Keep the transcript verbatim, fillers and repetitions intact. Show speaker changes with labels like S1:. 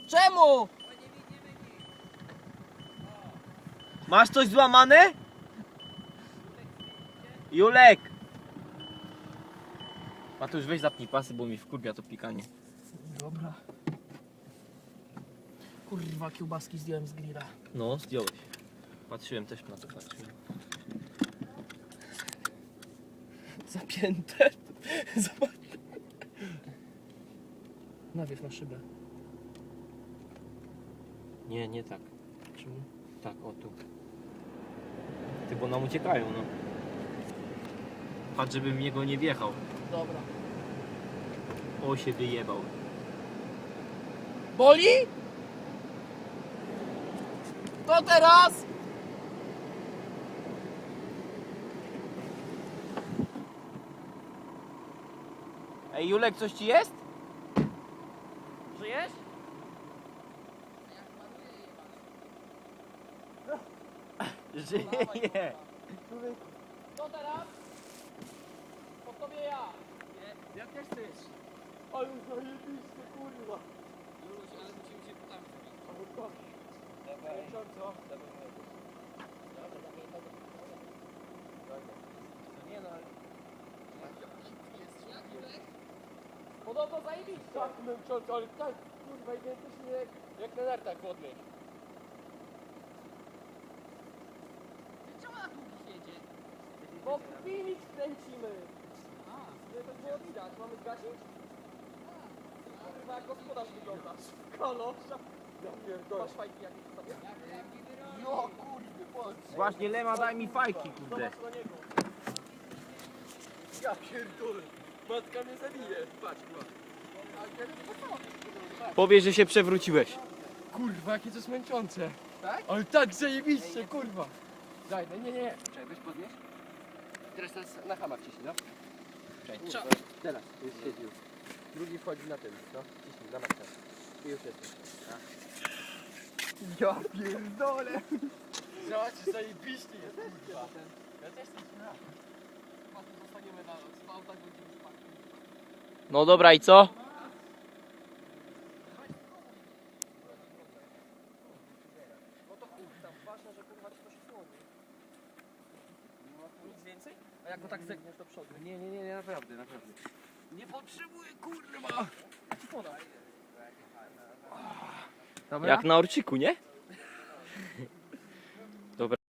S1: Czemu?
S2: Masz coś złamane? Julek! Matusz, weź zapnij pasy, bo mi wkurwia to pikanie.
S1: Dobra. Kurwa, kiełbaski zdjąłem z grilla.
S2: No, zdjąłeś. Patrzyłem też na to, patrzyłem.
S1: Zapięte. Zobacz. Nawiew na szybę.
S2: Nie, nie tak.
S1: Czemu?
S2: Tak, o tu. Ty, bo nam uciekają, no. Patrz, żebym w niego nie wjechał.
S1: Dobra.
S2: O, się wyjebał.
S1: Boli? To teraz?
S2: Ej, Julek, coś ci jest?
S1: Żyjesz?
S2: Żyje.
S1: To teraz? Po tobie ja.
S3: Ja też chcesz.
S1: Ale zajebiście, kurwa.
S3: Juluś, ale musimy się poprawić.
S1: Ale tak.
S3: Dawaj.
S1: Co?
S3: Nie no, ale...
S1: Podobno zajebiście. Tak, męczące, ale tak, kurwa, identycznie jak, jak na nartach wodnych.
S3: Czemu na długich jedzie?
S1: Bo filmik kręcimy.
S3: A,
S1: Żeby to było widać. Mamy zgasić? Kurwa, jak gospodarz wyglądasz. Kalosza. Ja pierdolę. Masz fajki jakieś w sobie?
S3: no kurwy, bądź.
S2: Właśnie, Lema, daj mi fajki, kurde.
S1: Zobacz na niego. Ja pierdolę. Matka mnie zabije. Patrz, kurwa.
S2: Powiedz, że się przewróciłeś.
S1: Kurwa, jakie to jest męczące.
S3: Tak?
S1: Ale tak zajebiście, kurwa. Daj, no nie, nie.
S3: Czekaj, weź podnieś. Teraz, teraz na hama wciśnij, no. Czekaj,
S1: Cza-
S3: to- teraz, już siedzi już. Drugi wchodzi na tym, no. Wciśnij, na maksa. I już jest.
S1: Ja pierdolę. Zobacz, zajebiście jest, kurwa. Ja też chcę na. Zostaniemy na noc. W autach będziemy spać.
S2: No dobra, i co?
S1: No to kurwa, ważne, że kurwa ci to się słoni. Nic więcej? A jak go tak zegniesz do przodu?
S3: Nie, nie, nie, nie, naprawdę, naprawdę.
S1: Nie potrzebuję, kurwa. Ci podaj.
S2: Jak na orciku, nie?